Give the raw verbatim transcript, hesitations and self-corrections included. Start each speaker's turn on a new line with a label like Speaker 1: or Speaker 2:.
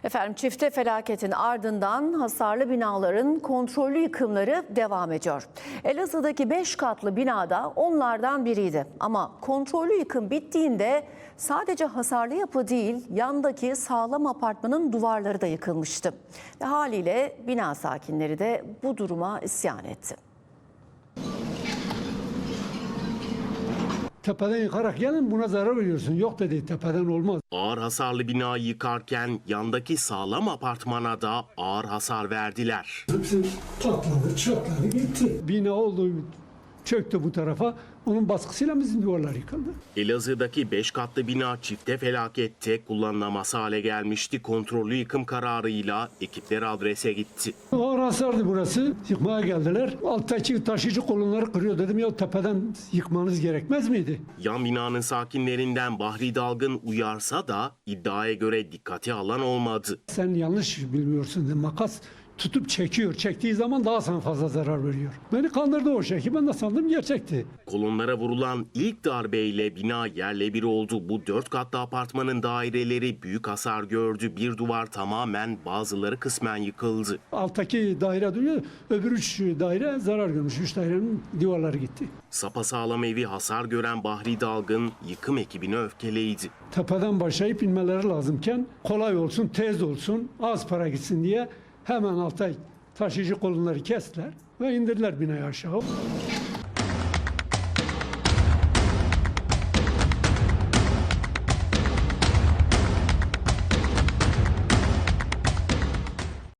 Speaker 1: Efendim çifte felaketin ardından hasarlı binaların kontrollü yıkımları devam ediyor. Elazığ'daki beş katlı binada onlardan biriydi. Ama kontrollü yıkım bittiğinde sadece hasarlı yapı değil, yandaki sağlam apartmanın duvarları da yıkılmıştı. Ve haliyle bina sakinleri de bu duruma isyan etti.
Speaker 2: Tepeden yıkarak gelin, buna zarar veriyorsun. Yok dedi, tepeden olmaz.
Speaker 3: Ağır hasarlı binayı yıkarken yandaki sağlam apartmana da ağır hasar verdiler.
Speaker 2: Hepsi patladı, çatladı, gitti. Bina oldu, çöktü bu tarafa. Onun baskısıyla bizim duvarlar yıkıldı.
Speaker 3: Elazığ'daki beş katlı bina çifte felakette kullanılamaz hale gelmişti. Kontrollü yıkım kararıyla ekipler adrese gitti.
Speaker 2: Ağır hasardı burası. Yıkmaya geldiler. Alttaki taşıyıcı kolonları kırıyor. Dedim ya, tepeden yıkmanız gerekmez miydi?
Speaker 3: Yan binanın sakinlerinden Bahri Dalgın uyarsa da iddiaya göre dikkate alan olmadı.
Speaker 2: Sen yanlış bilmiyorsun dedi. Makas tutup çekiyor. Çektiği zaman daha sana fazla zarar veriyor. Beni kandırdı o şekil. Ben de sandım gerçekti.
Speaker 3: Kolonlara vurulan ilk darbeyle bina yerle bir oldu. Bu dört katlı apartmanın daireleri büyük hasar gördü. Bir duvar tamamen, bazıları kısmen yıkıldı.
Speaker 2: Alttaki daire duruyor. Öbür üç daire zarar görmüş. Üç dairenin duvarları gitti.
Speaker 3: Sapasağlam evi hasar gören Bahri Dalgın yıkım ekibine öfkeliydi.
Speaker 2: Tepeden başlayıp inmeleri lazımken kolay olsun, tez olsun, az para gitsin diye hemen alta taşıyıcı kolonları kestiler ve indirdiler binayı aşağı.